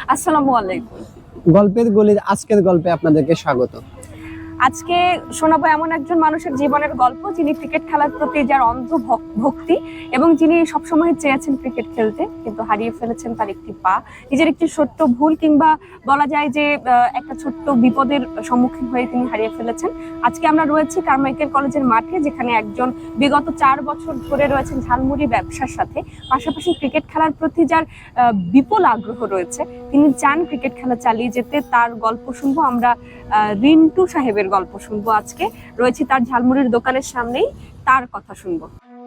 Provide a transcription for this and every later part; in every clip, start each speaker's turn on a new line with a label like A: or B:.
A: আসসালামু আলাইকুম।
B: গল্পের গলির আজকের গল্পে আপনাদেরকে স্বাগত।
A: আজকে শোনাবো এমন একজন মানুষের জীবনের গল্প যিনি ক্রিকেট খেলার প্রতি যার অন্ধ ভক্তি এবং যিনি সবসময় চেয়েছেন ক্রিকেট খেলতে কিন্তু হারিয়ে ফেলেছেন তার একটি পা। নিজের একটি ছোট্ট ভুল কিংবা বলা যায় যে একটা ছোট্ট বিপদের সম্মুখীন হয়ে তিনি হারিয়ে ফেলেছেন। আজকে আমরা রয়েছি কারমাইকেল কলেজের মাঠে, যেখানে একজন বিগত 4 বছর ধরে রয়েছেন ঝালমুড়ি ব্যবসার সাথে, পাশাপাশি ক্রিকেট খেলার প্রতি যার বিপুল আগ্রহ রয়েছে। তিনি চান ক্রিকেট খেলা চালিয়ে যেতে। তার গল্প শুনবো আমরা, রিন্টু সাহেবের গল্প শুনবো। আজকে রয়েছি তার ঝালমুড়ির দোকানের সামনেই, তার কথা শুনবো।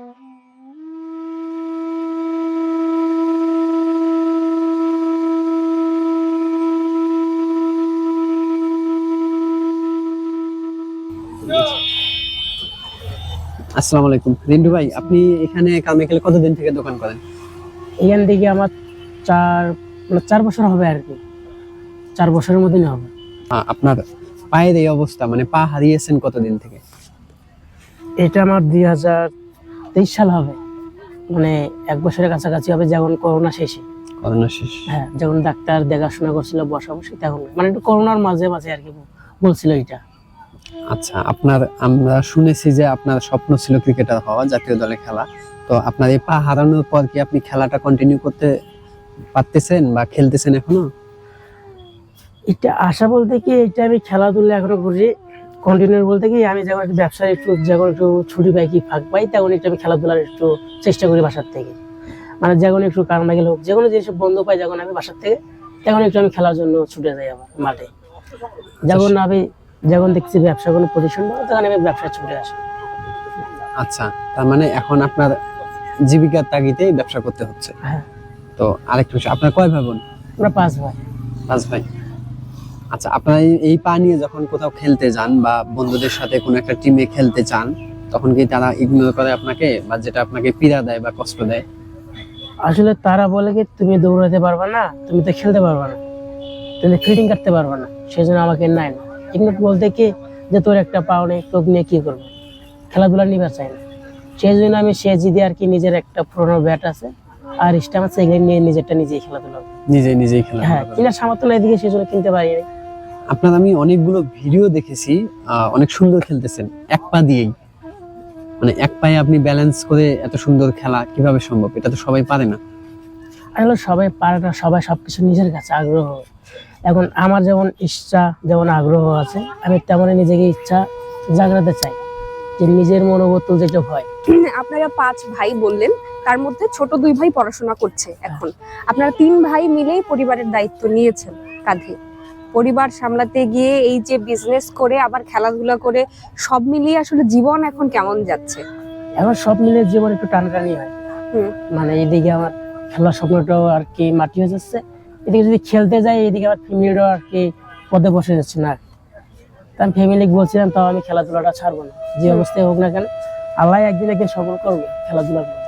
B: আসসালামু আলাইকুম রিন্টু ভাই, আপনি এখানে কারমাইকেলে কতদিন থেকে দোকান করেন?
C: এখান থেকে আমার 4 বছর হবে আর কি, 4 বছরের মধ্যেই হবে।
B: আপনার পায়ের এই অবস্থা, মানে পা হারিয়েছেন কতদিন থেকে?
C: এটা আমার 2023 সাল হবে, মানে 1 বছরের কাছাকাছি হবে, যখন করোনা শেষে।
B: করোনা শেষ?
C: হ্যাঁ, যখন ডাক্তার দেখাশোনা করছিল বসাবসি, তখন মানে একটু করোনার মাঝে মাঝে আর কি বলছিল এটা।
B: আচ্ছা, আমরা শুনেছি যে আপনার স্বপ্ন ছিল ক্রিকেটার হওয়া, জাতীয় দলে খেলা। তো আপনার এই পা হারানোর পর কি আপনি খেলাটা কন্টিনিউ করতে পারতেছেন বা খেলতেছেন এখনো?
C: এটা আশা বলতে কি, এটা আমি খেলাধুলা এখনো করি কন্টিনিউ বলতে কি, আমি যখন একটু ব্যবসায় যখন একটু ছুটি পাই কি ফাঁক পাই, তখন একটু আমি খেলাধুলার একটু চেষ্টা করি বাসার থেকে। মানে যখন একটু কারমাইকেল হোক, যে কোনো জিনিস বন্ধ পাই যখন আমি বাসার থেকে, তখন একটু আমি খেলার জন্য ছুটে যাই আবার মাঠে। যখন দেখছি ব্যবসা কোনো পজিশন পাবো, তখন আমি ব্যবসায় ছুটে আসি।
B: আচ্ছা, তার মানে এখন আপনার জীবিকার তাগিদেই ব্যবসা করতে হচ্ছে।
C: হ্যাঁ।
B: তো আরেকটু বিষয়, আপনার কয় ভাই বোন?
C: আমরা 5 ভাই।
B: 5 ভাই। আচ্ছা, আপনারা এই পা নিয়ে যখন কোথাও খেলতে যান বা বন্ধুদের সাথে কোনো একটা টিমে খেলতে চান, তখন কি তারা ইগনোর করে আপনাকে, বা যেটা আপনাকে পীড়া দেয় বা কষ্ট দেয়?
C: আসলে তারা বলে কি, তুমি দৌড়াতে পারবা না, তুমি তো খেলতে পারবা না, তুমি ফিল্ডিং করতে পারবা না, সেই জন্য আমাকে নেয় না। ইগনোর বলতে কি, যে তোর একটা পাও নেই, তোকে নিয়ে কি করবো, খেলাধুলা নিবার চাই না। সেই জন্য আমি সে জিদি আর কি, নিজের একটা পুরোনো ব্যাট আছে আর স্টাম্প আছে, এগুলো নিয়ে নিজেরটা নিজেই খেলাধুলা।
B: নিজেই খেলা?
C: হ্যাঁ, কিনার সামর্থ্য নাই দিকে, সেই জন্য কিনতে পারি না।
B: আপনার আমি অনেকগুলো ভিডিও দেখেছি, অনেক সুন্দর খেলতেছেন এক পা দিয়েই। মানে এক পায়ে আপনি ব্যালেন্স করে এত সুন্দর খেলা কিভাবে সম্ভব? এটা তো সবাই পারে না।
C: আসলে সবাই পারে না, সবাই সবকিছু নিজের কাছে আগ্রহ। এখন আমার যেমন ইচ্ছা, যেমন আগ্রহ আছে, আমি তেমনই নিজেকে ইচ্ছা জাগ্রতে চাই, যে নিজের মনোবত যেটা হয়।
A: আপনারা 5 ভাই বললেন, তার মধ্যে ছোট 2 ভাই পড়াশোনা করছে এখন। আপনারা 3 ভাই মিলেই পরিবারের দায়িত্ব নিয়েছেন কাঁধে। পরিবার সামলাতে গিয়ে এই যে বিজনেস করে আবার খেলাধুলা করে, সব মিলিয়ে আসলে জীবন এখন কেমন যাচ্ছে?
C: এখন সব মিলে জীবন একটু টানটানি হয়। মানে এইদিকে আমার খেলার স্বপ্নটাও আর কি মাটি হয়ে যাচ্ছে, এদিকে যদি খেলতে যাই, এদিকে আমার ফ্যামিলিটাও আর কি পদে বসে যাচ্ছে না। তার ফ্যামিলি বলছিলাম, তাও আমি খেলাধুলাটা ছাড়বো না, যে অবস্থায় হোক না কেন, আল্লাহ একদিন সফল করবে খেলাধুলার মধ্যে।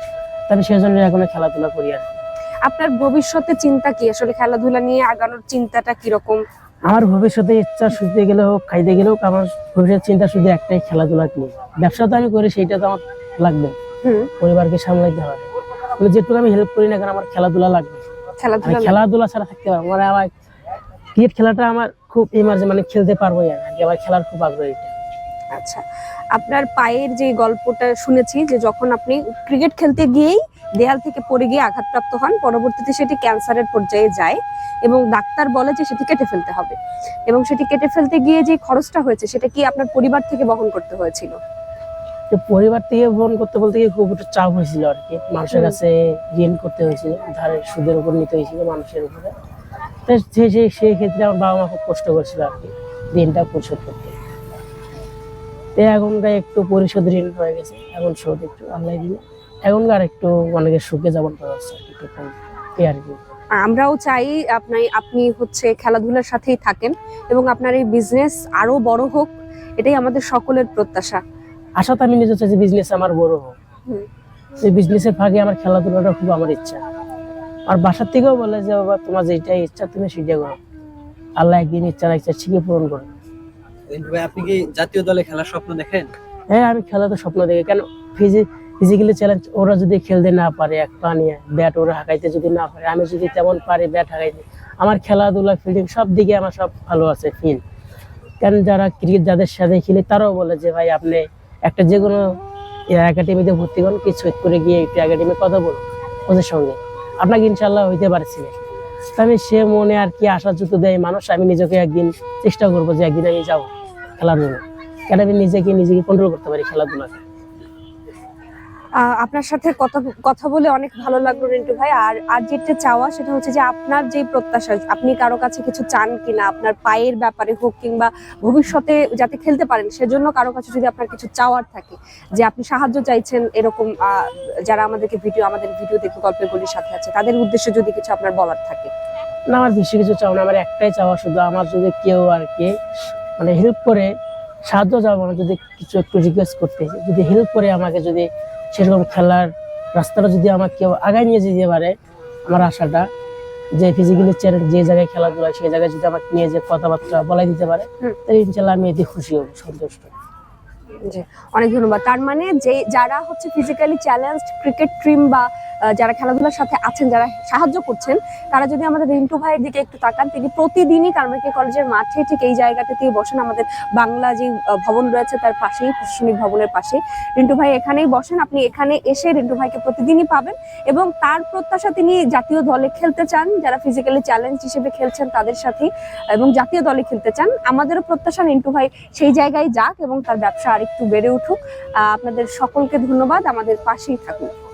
C: তবে সেই জন্য এখন খেলাধুলা করি আর কি।
A: আপনার ভবিষ্যতে চিন্তা কি, আসলে খেলাধুলা নিয়ে আগানোর চিন্তাটা কিরকম?
C: আমার ভবিষ্যতে ইচ্ছা, শুতে গেলে হোক খাইতে গেলে হোক, আমার ভবিষ্যৎ চিন্তা শুধু একটাই, খেলাধুলা নিয়ে। ব্যবসা তো আমি করি, সেইটা তো আমার লাগবে, পরিবারকে সামলাইতে হবে। যেটুকু আমি হেল্প করি না কেন, আমার খেলাধুলা লাগবে। খেলাধুলা ছাড়া থাকতে পারবো, মানে আমার ক্রিকেট খেলাটা আমার খুব ইমার্জেন্সি, মানে খেলতে পারবো আর কি, আমার খেলার খুব আগ্রহ।
A: আচ্ছা, আপনার পায়ের যে গল্পটা শুনেছি, যে যখন আপনি ক্রিকেট খেলতে গিয়েই দেয়াল থেকে পড়ে গিয়ে আঘাতপ্রাপ্ত হন, পরবর্তীতে সেটি ক্যান্সারের পর্যায়ে যায় এবং ডাক্তার বলে যে সেটি কেটে ফেলতে হবে, এবং সেটি কেটে ফেলতে গিয়ে যে খরচটা হয়েছে সেটা কি আপনার পরিবার থেকে বহন করতে হয়েছিল?
C: পরিবার থেকে বহন করতে বলতে গিয়ে খুব একটু চাপ হয়েছিল আর কি, মানুষের কাছে ঋণ করতে হয়েছিল, ধারের সুদের উপর নিতে হয়েছিল মানুষের উপরে। সেই ক্ষেত্রে আমার বাবা মা খুব কষ্ট করছিল আর কি, ঋণটা পরিশোধ করতে। এখনকার একটু পরিশোধ ঋণ হয়ে গেছে, এখন শোধ একটু আল্লাহ দিলে এখনকার একটু অনেকের সুখে যাপন করা হচ্ছে একটু কম আর কি।
A: আমরাও চাই আপনি হচ্ছে খেলাধুলার সাথেই থাকেন এবং আপনার এই বিজনেস আরো বড় হোক, এটাই আমাদের সকলের প্রত্যাশা।
C: আশা তো আমি নিজে চাই যে বিজনেস আমার বড় হোক, এই বিজনেসের ফাঁকে আমার খেলাধুলাটা খুব আমার ইচ্ছা। আর বাসার থেকেও বলে যে বাবা, তোমার যেটাই ইচ্ছা তুমি সেটা করো, আল্লাহ একদিন ইচ্ছা ঠিকই পূরণ করো।
B: আপনি কি জাতীয় দলে খেলার স্বপ্ন দেখেন?
C: হ্যাঁ, আমি খেলা তো স্বপ্ন দেখি। কেন, ফিজিক্যালি চ্যালেঞ্জ, ওরা যদি খেলতে না পারে, এক পা নিয়ে ব্যাট ওরা হাঁকাইতে যদি না পারে, আমি যদি তেমন পারি ব্যাট হাঁকাইতে, আমার খেলাধুলা ফিল্ডিং সব দিকে আমার সব ভালো আছে ফিল। কারণ যারা ক্রিকেট যাদের সাথে খেলে তারাও বলে যে ভাই আপনি একটা যে কোনো একাডেমিতে ভর্তি করুন, কিছু করে গিয়ে একটু একাডেমি কথা বলুন ওদের সঙ্গে, আপনাকে ইনশাল্লাহ হইতে পারছি। তো আমি সে মনে আর কি আশা যুক্ত দেয় মানুষ, আমি নিজেকে একদিন চেষ্টা করবো যে একদিন আমি যাবো খেলার জন্য, কেন আমি নিজেকে কন্ট্রোল করতে পারি খেলাধুলাকে।
A: আপনার সাথে কথা বলে অনেক ভালো লাগলো রিন্টু ভাই। আর যেটা চাওয়া সেটা হচ্ছে যে আপনার যে প্রত্যাশা, আপনি কারো কাছে কিছু চান কিনা, আপনার পায়ের ব্যাপারে হোক কিংবা ভবিষ্যতে যাতে খেলতে পারেন সেজন্য কারো কাছে যদি আপনার কিছু চাওয়ার থাকে, যে আপনি সাহায্য চাইছেন, এরকম যারা আমাদের ভিডিও দেখে গল্পের গলির সাথে আছে তাদের উদ্দেশ্যে যদি কিছু আপনার বলার থাকে।
C: না, আমার বেশি কিছু চাও না, আমার একটাই চাওয়া শুধু আমার যদি কেউ আর কি মানে হেল্প করে, সাহায্য চাওয়া মানে যদি কিছু একটু রিকোয়েস্ট করতে, যদি হেল্প করে আমাকে, যদি সেরকম খেলার রাস্তাটা যদি আমাকে কেউ আগায় নিয়ে যেতে পারে, আমার আশাটা যে ফিজিক্যালি চ্যালেঞ্জ যে জায়গায় খেলাধুলা সেই জায়গায় যদি আমাকে নিয়ে যে কথাবার্তা বলাই দিতে পারে, তাহলে ইনশাল্লাহ আমি এতে খুশি হব, সন্তুষ্ট।
A: জি, অনেক ধন্যবাদ। তার মানে যে যারা হচ্ছে ফিজিক্যালি চ্যালেঞ্জড ক্রিকেট টিম বা যারা খেলাধুলার সাথে আছেন, যারা সাহায্য করছেন, তারা যদি আমাদের রিন্টু ভাইয়ের দিকে একটু তাকান, তিনি প্রতিদিনই কারমাইকেল কলেজের মাঠে ঠিক এই জায়গাটাতেই বসেন, আমাদের বাংলা যে ভবন রয়েছে তার পাশেই, প্রশাসনিক ভবনের পাশে রিন্টু ভাই এখানেই বসেন। আপনি এখানে এসে রিন্টু ভাইকে প্রতিদিনই পাবেন এবং তার প্রত্যাশা তিনি জাতীয় দলে খেলতে চান, যারা ফিজিক্যালি চ্যালেঞ্জ হিসেবে খেলছেন তাদের সাথে, এবং জাতীয় দলে খেলতে চান। আমাদেরও প্রত্যাশা রিন্টু ভাই সেই জায়গায় যাক এবং তার ব্যবসা আরেকটু বেড়ে উঠুক। আপনাদের সকলকে ধন্যবাদ, আমাদের পাশেই থাকুন।